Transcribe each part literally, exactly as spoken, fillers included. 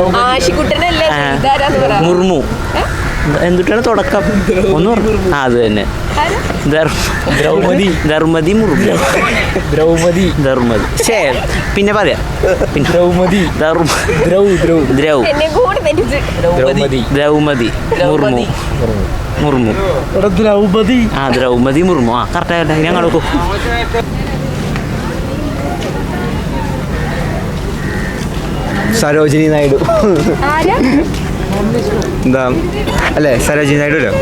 മുർമു. എന്തുട്ടാണ് തുടക്കം? ഒന്ന് ആ അത് തന്നെ. ദ്രൗപതി ധർമ്മതി മുർമു. ദ്രൗപതി ധർമ്മതി. ശേ പിന്നെ പറയാം. പിന്നെ ദ്രൗപതി ദ്രൗ ദ്രൗ ദ്രൗപതി ദ്രൗപതി മുർമു മുർമു ദ്രൗപതി ആ ദ്രൗപതി മുർമു. ആ കറക്റ്റായിട്ടെ ഞാൻ കൊടുക്കും. സരോജിനി നായിഡു. എന്താ അല്ലേ? സരോജിനി നായിഡു അല്ലേ?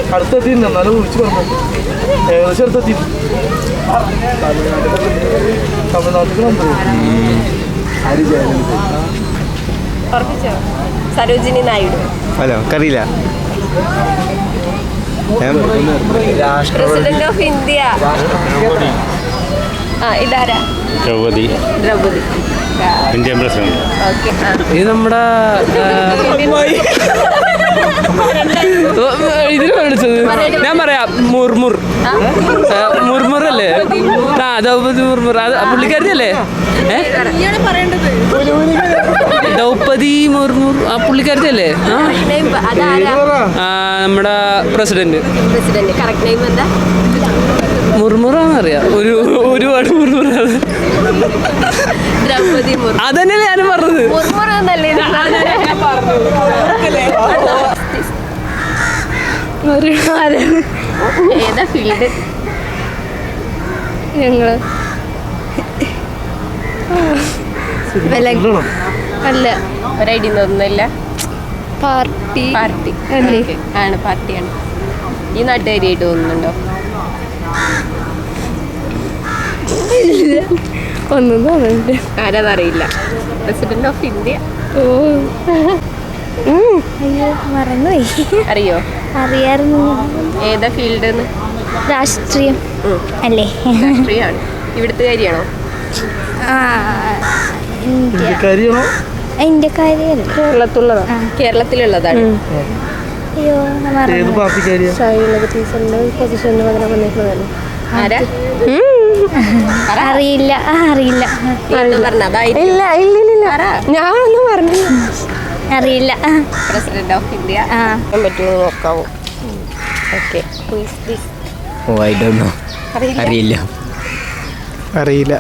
സരോജിനി നായിഡു. ഹലോ കറിയില്ല. President of India. ആ ഇതാരാ? ദ്രൗപതി. Draupadi Indian president. ഇത് നമ്മുടെ ഇതിന് വിളിച്ചത് ഞാൻ പറയാം മുർമുർ. മുർമുർ അല്ലേ? ആ ദ്രൗപതി മുർമുർ. അത് പുള്ളിക്കാരി അല്ലേ? ദ്രൗപതി മുർമുർ ആ പുള്ളിക്കാരി അല്ലേ? നമ്മുടെ പ്രസിഡന്റ്. മുർമുറാന്നറിയാം. ഒരു ഒരുപാട് മുർമുറ. അതന്നെയല്ലേ ഞാനും പറഞ്ഞത്. ഏതാ ഫീൽഡ്? ഞങ്ങള് അല്ല ഒരു ഐഡിയ ഒന്നുമില്ല. പാർട്ടി പാർട്ടി ആണ് പാർട്ടിയാണ്. ഈ നാട്ടുകാരിയായിട്ട് തോന്നുന്നുണ്ടോ? ഒന്നും തോന്നുന്നുണ്ട്. ആരാന്നറിയില്ല. President of India. ഓ മറന്നുപോയി. അറിയോ? അറിയായിരുന്നു. ഏതാ ഫീൽഡ്? രാഷ്ട്രീയം അല്ലേ? രാഷ്ട്രീയമാണ്. ഇവിടുത്തെ കാര്യമാണോ? ഇന്ത്യക്കാരിയല്ല. കേരളത്തിലുള്ളതാ. കേരളത്തിലുള്ളതാണ്. അയ്യോ അറിയില്ല അറിയില്ല ഇല്ല ഇല്ല ഞാനൊന്നും പറഞ്ഞില്ല. അറിയില്ല. പ്രസിഡന്റ് ഓഫ് ഇന്ത്യ പറ്റുമോ നോക്കാവോ? ഓക്കെ അറിയില്ല അറിയില്ല.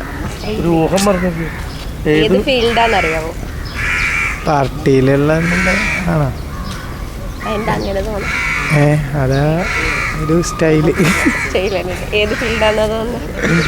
ഏത് ഫീൽഡാന്ന് അറിയാമോ? പാർട്ടിയിലുള്ള ആണോ? എന്താ അങ്ങനെ തോന്നുന്നു? ഏ അതാ ഒരു സ്റ്റൈല്. സ്റ്റൈലാണ്. ഏത് ഫീൽഡാണെന്ന് തോന്നുന്നു?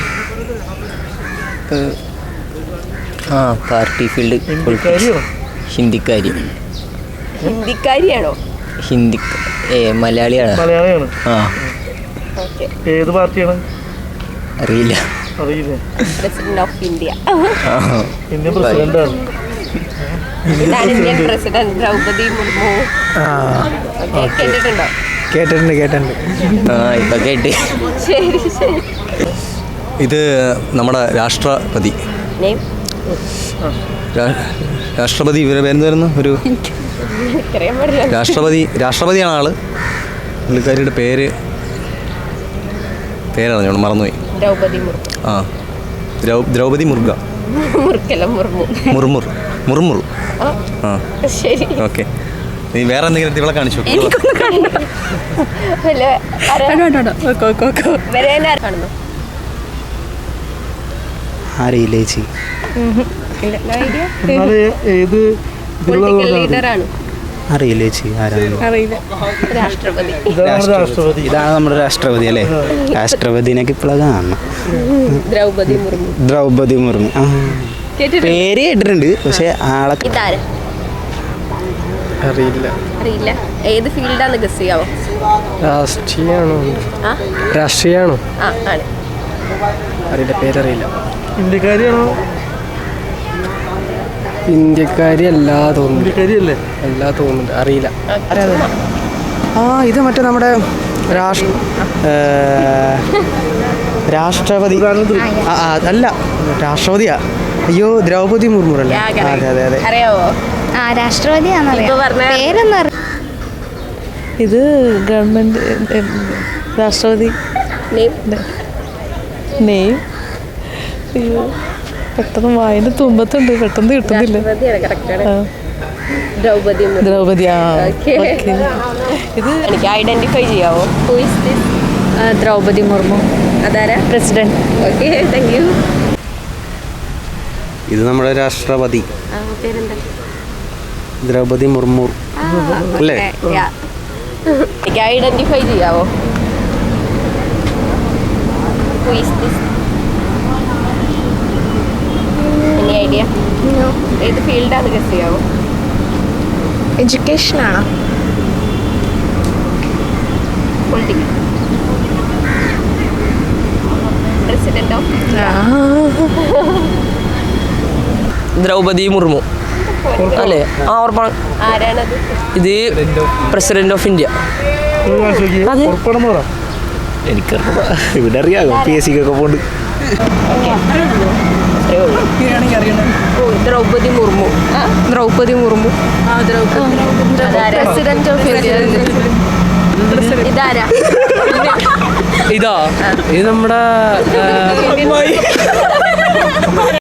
ആ പാർട്ടി ഫീൽഡ്. ഹിന്ദിക്കാരി. ഹിന്ദിക്കാരിയാണോ? ഹിന്ദി ഏ മലയാളിയാണ്. മലയാളിയാണ്. ആ ഓക്കെ. ഏത് പാർട്ടിയാണ്? അറിയില്ല. അറിയില്ല. President of India. ഇന്ത്യൻ പ്രസിഡന്റാണ്. Indian president Draupadi Murmu. കേട്ടിട്ടുണ്ടോ? കേട്ടിട്ടുണ്ട് കേട്ടിട്ടുണ്ട്. ആ ഇപ്പൊ കേട്ട്. ശരി ശരി. ഇത് നമ്മുടെ രാഷ്ട്രപതി. രാഷ്ട്രപതി ഇവരെ പേരെന്തായിരുന്നു? ഒരു രാഷ്ട്രപതി രാഷ്ട്രപതിയാണ് ആള്. പുള്ളിക്കാരിയുടെ പേര് പേരറിഞ്ഞോളൂ, മറന്നുപോയി. ദ്രൗപതി മുർമു. ആ ദ്രൗപതി മുർഗ. മുർമുർ മുർമുർ മുർമുർ. ആ ശരി. ഓക്കെ. നീ വേറെ എന്തെങ്കിലും ഇവിടെ കാണിച്ചു? അറിയില്ല ചേച്ചി. ഏത് ലീഡറാണ്? അറിയില്ല ചേച്ചി ആരാണ്? രാഷ്ട്രപതി. രാഷ്ട്രപതി. ഇതാണ് നമ്മുടെ രാഷ്ട്രപതി അല്ലേ? രാഷ്ട്രപതിനൊക്കെ ഇപ്പോഴാണ് കാണണം. ദ്രൗപതി മുർമു. ദ്രൗപതി മുർമു. ആ പേര് കേട്ടിട്ടുണ്ട്, പക്ഷെ ആളെ ഇതാരാ? അറിയില്ല. അറിയില്ല. ഏത് ഫീൽഡാന്ന് ഗസ് ചെയ്യാവോ? രാഷ്ട്രീയാണോ? ആ രാഷ്ട്രീയാണോ? ആ ആണ്. അറിയില്ല, പേരറിയില്ല. ഇന്ത്യക്കാരിയാണോ? ഇന്ത്യക്കാരി അല്ലാ തോന്നുന്നു. ഇന്ത്യക്കാരിയല്ലേ? അല്ലാ തോന്നുന്നുണ്ട്, അറിയില്ല. ആ ഇത് മറ്റേ നമ്മുടെ രാഷ്ട്രപതി. അല്ല രാഷ്ട്രപതിയാ. അയ്യോ ദ്രൗപതി മുർമു അല്ലേ? അതെ അതെ അതെ. അറിയാവോ? ആ രാഷ്ട്രപതിയാണെന്നറിയാം. പേരൊന്നും ഇത് ഗവൺമെന്റ് രാഷ്ട്രപതി നെയ്മ്. അയ്യോ പെട്ടെന്ന് വായന തുമ്പത്തുണ്ട്, പെട്ടെന്ന് കിട്ടുന്നില്ല. ദ്രൗപദി മുർമു. ദ്രൗപദി ആ Okay. ഓക്കെ. ഇത് എനിക്ക് ഐഡന്റിഫൈ ചെയ്യാവോ? Who is this? Draupadi Murmu അതാരാ? പ്രസിഡന്റ്. Okay, thank you. ഇത് നമ്മുടെ രാഷ്ട്രപതി പേരെന്താ? ദ്രൗപദി മുർമു അല്ലേ? എനിക്ക് ഐഡന്റിഫൈ ചെയ്യാവോ? Who is this? Any idea? ഏത് ഫീൽഡാണ് ഗസ് ചെയ്യാവോ? എഡ്യൂക്കേഷൻ ആണോ? Political. President of Draupadi Murmu അല്ലേ? ആ ഉറപ്പാണ്. ആരാണത്? ഇത് പ്രസിഡന്റ് ഓഫ് ഇന്ത്യ. അതെ. ഉറപ്പാണെന്ന് പറ. എനിക്കറിയാം, ഇവിടെ അറിയാമോ പി എസ് സിക്കൊക്കെ പോണ്ട്. ഓ, Draupadi Murmu. Draupadi Murmu. President of India. ഇതാരാ? ഇതാ ഇത് നമ്മുടെ